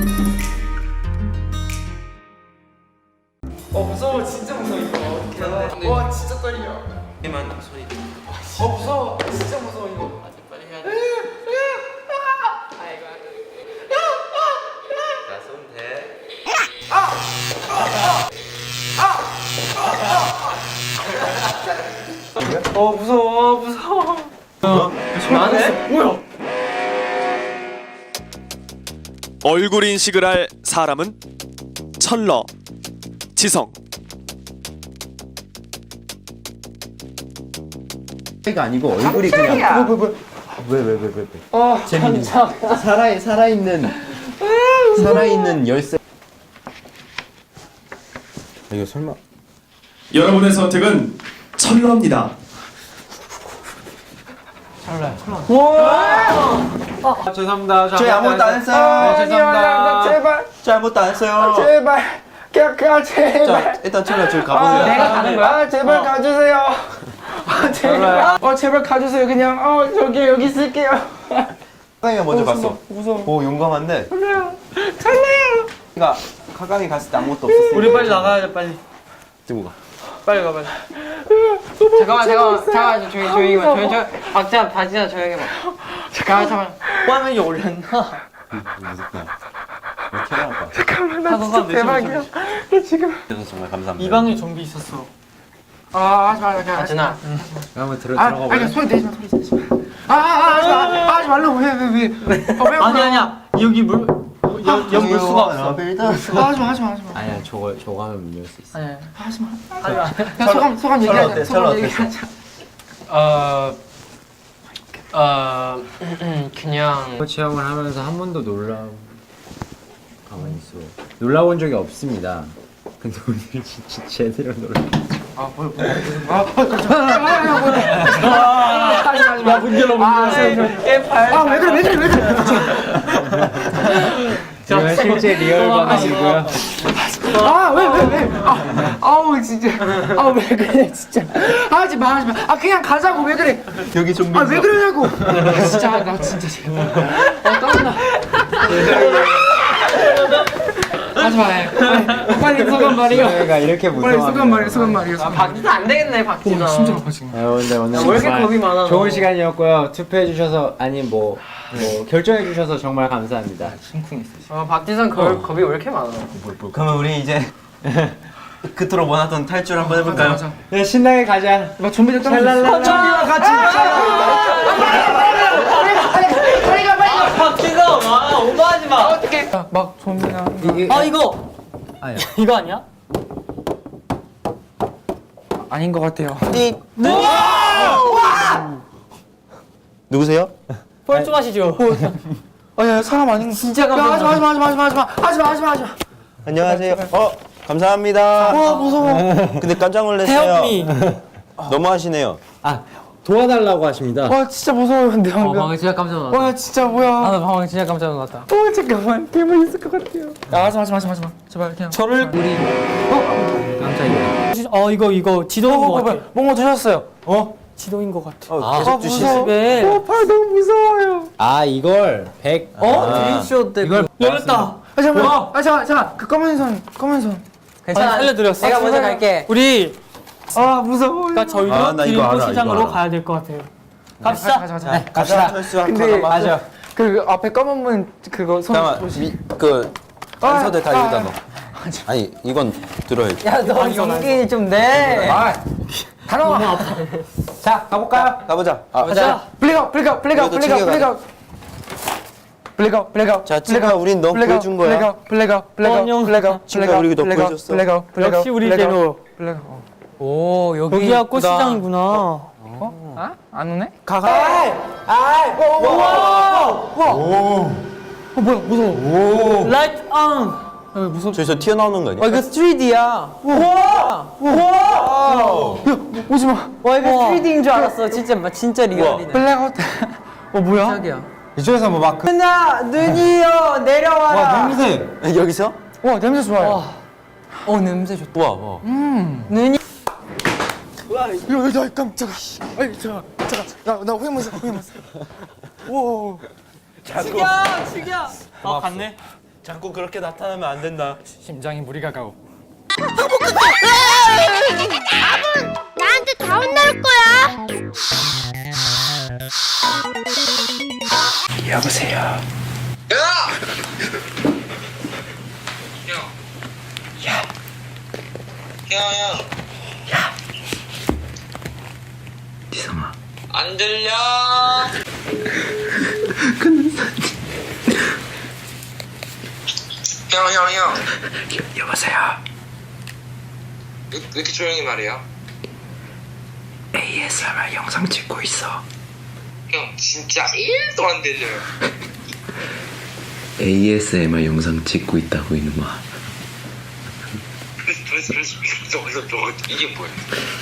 무서워. 진짜 무서워 이거. 어떻게 해야 돼? 와 진짜 떨려. 이만 소리. 무서워. 진짜 무서워 이거. 빨리 해야 돼. 아이고. 자, 손 대. 무서워. 무서워. 나네? 뭐야? 얼굴 인식을 할 사람은 철러, 지성. 가 아니고 얼굴이 그냥 왜 재밌는 살아있는 열쇠. 이거 설마 여러분의 선택은 철러입니다. 죄송합니다. 저희 아무것도 안 했어요. 죄송합니다. 제발. 저 아무것도 안 했어요. 제발. 그냥 제발. 자 일단 철러 저기 가보세요. 내가 가는 거야? 제발 가주세요. 제발. 제발 가주세요. 그냥 여기 있을게요. 카강이가 먼저 갔어. 무서워. 오 용감한데. 살려요. 그러니까 카강이 갔을 때 아무것도 없었어. 우리 빨리 나가야 돼 빨리. 들고 가. 빨리 가 빨리. 잠깐만 조용히 박자 바지나 조용히 해봐. 잠깐만 화면이 올렸나? 무섭다. 캐나할 거야. 잠깐만 나 진짜 대박이야. 나 지금 정말 감사합니다. 이 방에 좀비 있었어. 하지 마 그냥 하지 마. 한번 들어가 볼래? 아니 소리 내지 마 하지 말라고 왜? 아니야 여기 연물 수가 없어. 하지 마. 아니야 저거 하면 문 열 수 있어. 아니 하지 마. 소감 얘기하자. 소감 얘기하자. 그냥 체험을 하면서 한 번도 가만히 있어. 놀라본 적이 없습니다. 근데 오늘 진짜 제대로 놀라. 야 문제로 왜 그래 제가 실제 리얼 방송이고요. 왜 아우 진짜 왜 그래 진짜 하지 마 그냥 가자고 왜 그래 여기 좀비. 왜 그러냐고 진짜 나 진짜 제발 땀나 하지 마 빨리 소감 말이요 저희가 이렇게 무서워. 소감 말이요 박지도 안 되겠네 박지도 진짜 아파 지금 근데 오늘 왜 이렇게 겁이 많아 좋은 시간이었고요. 투표해 주셔서 결정해 주셔서 정말 감사합니다. 박지선 겁이 왜 이렇게 많아 그러면 우리 이제 그토록 원하던 탈출 한번 해볼까요? 맞아. 네, 신나게 가자. 막 좀비들 랄랄랄라. 좀비와 같이 박지선 오버하지 마 어떡해 막 좀비나 이거 아니야. 이거 아니야? 아닌 것 같아요 누구세요? 뻘쭘하시죠? 야 사람 아닌 진짜 하지마 안녕하세요. 감사합니다. 와 무서워 근데 깜짝 놀랐어요. 너무 하시네요. 도와달라고 하십니다. 와 진짜 무서워요 근데 방금 진짜 깜짝 놀랐다. 와 진짜 뭐야 나도 방금 진짜 깜짝 놀랐다. 잠깐만 괴물 있을 것 같아요 야 하지마 제발 그냥 저를 깜짝이야. 이거 지도인 것 같아 뭔가 드셨어요 지도인 것 같아 계속 주시네. 팔 너무 무서워요 이걸 100. 드림쇼 때 이걸 열렸다 잠깐 그 검은 손 괜찮아. 살려드렸어 내가 먼저 갈게. 우리 무서워 그러니까 저희도 나 이거 알아, 시장으로 이거 알아. 가야 될 것 같아요. 갑시다. 가자 갑시다. 근데 맞아. 그 앞에 검은 문 그거 손 잠깐만 단서대 다 여기다 넣어. 아니 이건 들어야지. 야, 너 용기 좀 내. 다 나와 자, 가볼까요? 가보자. 가자. 블랙아웃 자, 친구야, 우린 너 보여준 거야. 친구야, 우리 너 보여줬어. 역시 우리 제로. 오 여기가 꽃시장이구나. 안 오네? 라이트 온. 저기서 튀어나오는 거 아니야? 이거 3D야. 오지마 와, 이거 3D인 줄 알았어. 진짜 리얼이네. 블랙아웃 뭐야? 깜짝이야. 이쪽에서 마크. 눈이요 내려와라. 냄새. 여기서? 와 냄새 좋아요 냄새 좋다. 와. 눈이. 야 깜짝아 잠깐 나 호해문사 오 죽여. 갔네. 자꾸 그렇게 나타나면 안 된다. 심장이 무리가 가오. 나한테 다 혼날 거야. 여보세요. 지성아. 안 들려. 형. 여보세요. 왜 이렇게 조용히 말해요? ASMR 영상 찍고 있어. 형 진짜 1도 안 들려요. ASMR 영상 찍고 있다고 이놈아. 그래서 저거 이게 뭐야?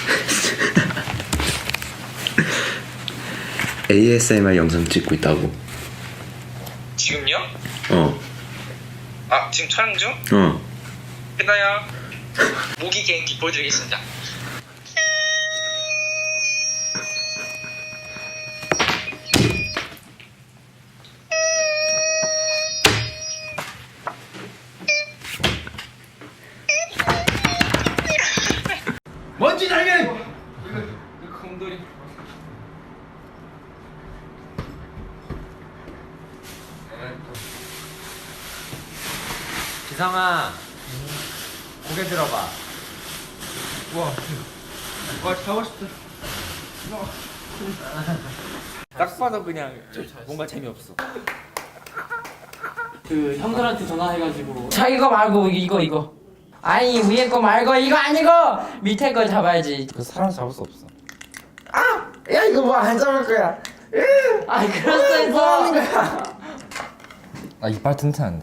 ASMR 영상 찍고 있다고. 지금요? 어. 아 지금 촬영 중? 어. 끝나요. 모기 개인기 보여드리겠습니다. 먼지 날개. 지성아, 고개 들어봐. 와 가고 싶다. 딱 봐도 그냥 뭔가 재미없어. 그 형들한테 전화해가지고. 자 이거 말고 이거. 아니 위에 거 말고 이거 아니고 밑에 거 잡아야지. 그 사람 잡을 수 없어. 야 이거 뭐 안 잡을 거야. 아 그랬어. 아 이빨 튼튼한데.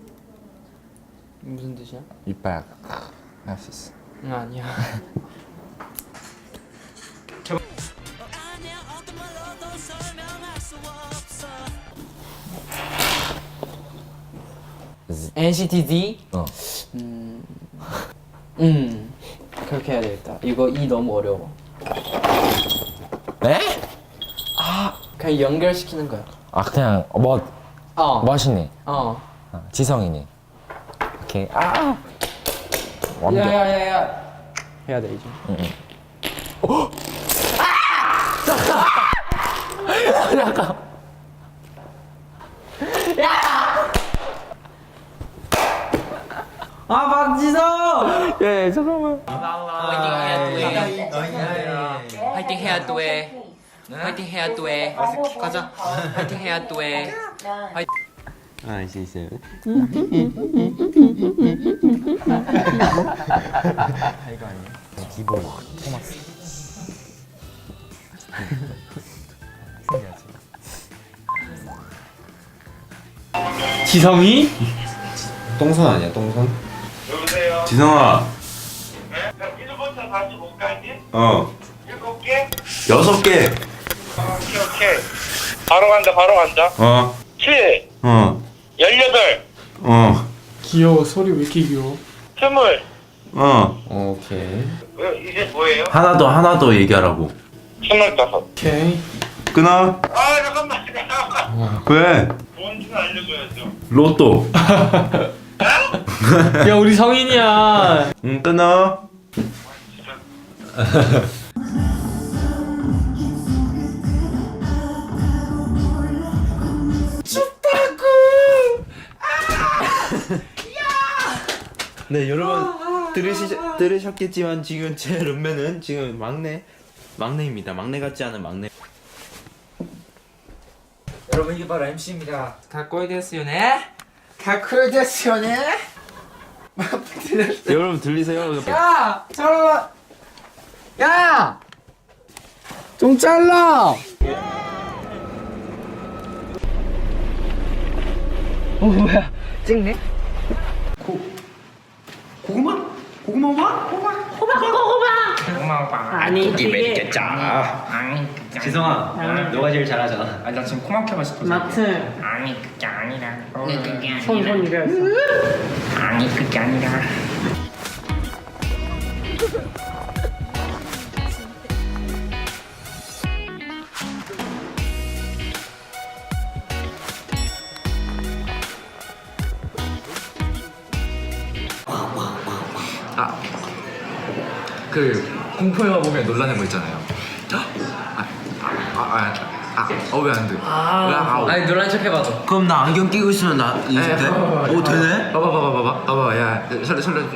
무슨 뜻이야? 이빨 할 수 있어. 응 아니야. NCT D? 어. 그렇게 해야 되겠다. 이거 E 너무 어려워. 네? 그냥 연결시키는 거야. 아 그냥 멋이니. 지성이니. 오케이. 완벽. 야야야야. 해야 돼 이제. 아 박지성! 예 잠깐만. 화이팅 해야 또 해. 화이팅 해야 또 해. 가자. 화이팅 해야 또 해. 아, 있어요. 기본 토마스. 지성이? 똥손 아니야, 똥손? 여보세요. 지성아. 네? 1부터 45까지? 어. 7개? 6개. 오케이. 바로 간다. 어. 7, 어. 18, 어. 귀여워. 소리 왜 이렇게 귀여워? 20. 어. 오케이. 이제 뭐예요? 하나 더 얘기하라고. 25. 오케이. 끊어. 아 잠깐만. 왜? 뭔지는 알려줘야죠. 로또. 야 우리 성인이야. 응, 끊어. 네 여러분 들으셨겠지만 지금 제 룸메는 지금 막내입니다. 막내 같지 않은 막내. 여러분 이게 바로 MC입니다. 가꼬이 데스요네. 가꼬이 데스요네. 여러분 들리세요? 야, 잘라. 야, 좀 잘라. 뭐야? 찍네? 고구마? 아니 이게 지성아, 너가 제일 잘하잖아. 아니 나 지금 코막혀 맛있어. 마트. 아니 그게 아니라. 손 이래였어. 아니 그게 아니라. 그 공포 영화 보면 놀라는 거 있잖아요. 왜 안 돼? 아니 놀란 척 해봐도. 그럼 나 안경 끼고 있으면 나 이제 돼? 오 되네? 봐봐. 야, 설레.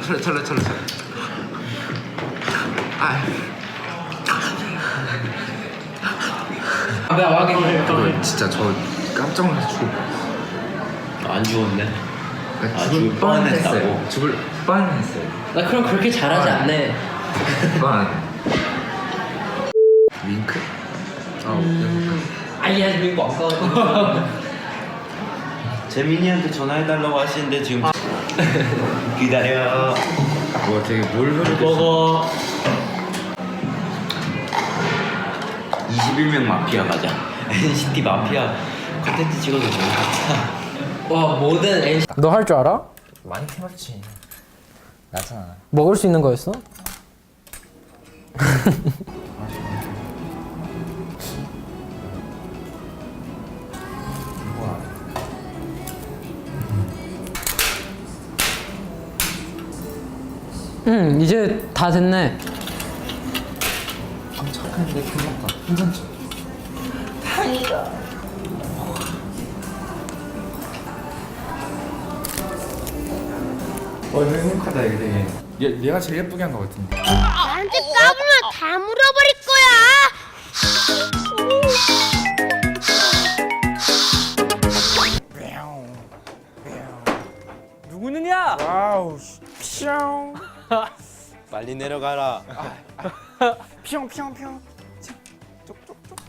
내가 확인해. 진짜 저 깜짝 놀라서 안 죽었네. 죽을 뻔했어요. 죽을 뻔했어요. 나 그럼 그렇게 잘하지 않네. 윙크? 아니야 지금 광고. 재민이한테 전화해달라고 하시는데 지금 기다려. 뭐 되게 뭘 흐르고 먹어. 21명 마피아 가자. NCT 마피아 컨텐츠 찍어도 되는 것 같아. 와 모든 NC. 너 할 줄 알아? 많이 해봤지. 나잖아. 먹을 수 있는 거였어? 이제 다 됐네. 착한데 괜찮다. 괜찮지? 행복하다 이게 되게. 얘가 제일 예쁘게 한 거 같은데. 나한테 까불면 다 물어버릴 거야. 누구느냐? 와우. 뿅. 빨리 내려가라. 뿅. 쪽쪽쪽.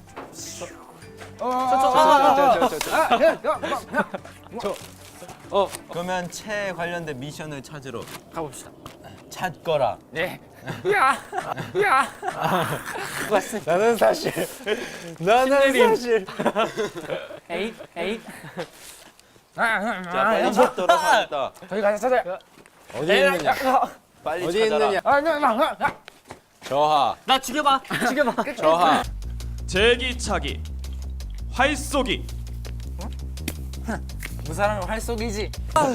그러면 채 관련된 미션을 찾으러 가봅시다. 찾거라. 네. 야. 나는 사실 에이. 자 빨리 찾도록 하겠다. 저기 가서 찾아. 어디 있느냐? 빨리 찾아라. 저하. 나 죽여봐. 저하. 제기차기, 활쏘기. 무사람은 활쏘기지.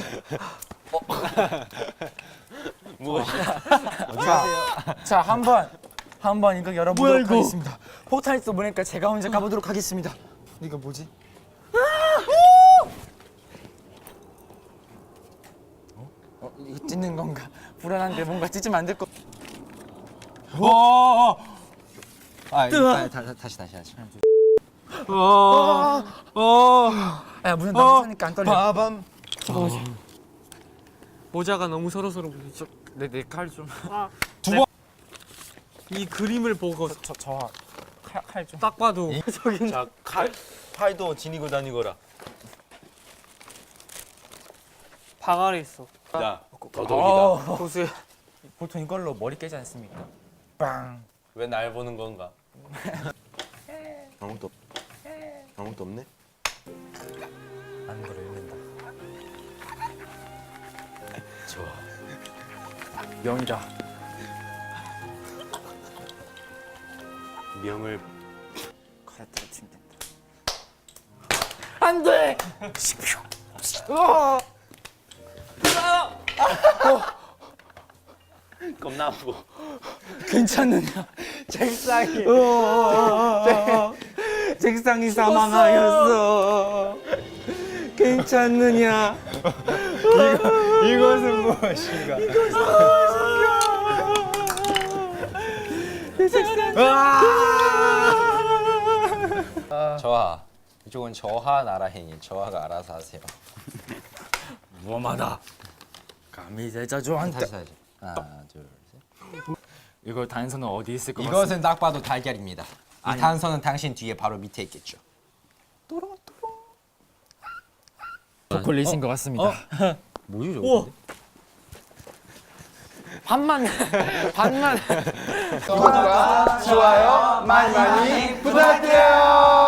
자, 한번 이거 열어보도록 하겠습니다. 폭탄이 쏘보니까 제가 혼자 가보도록 하겠습니다. 이거 뭐지? 이거 찢는 건가? 불안한데 뭔가 찢으면 안 될 거. 다시. 야, 무슨 남자니까 안 떨려. 빠밤. 모자가 너무 서로서로 부딪혀. 내 칼 좀. 이 그림을 보고 칼 좀. 딱 봐도 자 칼도 지니고 다니거라. 방 아래 있어. 자 도둑이다. 고수야. 보통 이걸로 머리 깨지 않습니까? 빵. 왜 날 보는 건가? 아무것도 없네. 아는 걸 읽는다. 좋아. 명이다. 명을 칼 떨어뜨리면 된다. 안 돼! 겁나 아프고. 괜찮느냐? 책상이 사망하였어. 괜찮느냐? 이것은 무엇인가? 저하. 이쪽은 저하 나라행위. 저하가 알아서 하세요. 무엄하다. 감히 제자조한테. 다시. 하나, 둘, 셋. 이거 단서는 어디 있을 것 이것은 딱 봐도 달걀입니다. 이 단서는 당신 뒤에 바로 밑에 있겠죠. 초콜릿인 것 같습니다. 뭐지 저거? 반만. 좋아요 많이 부탁드려요.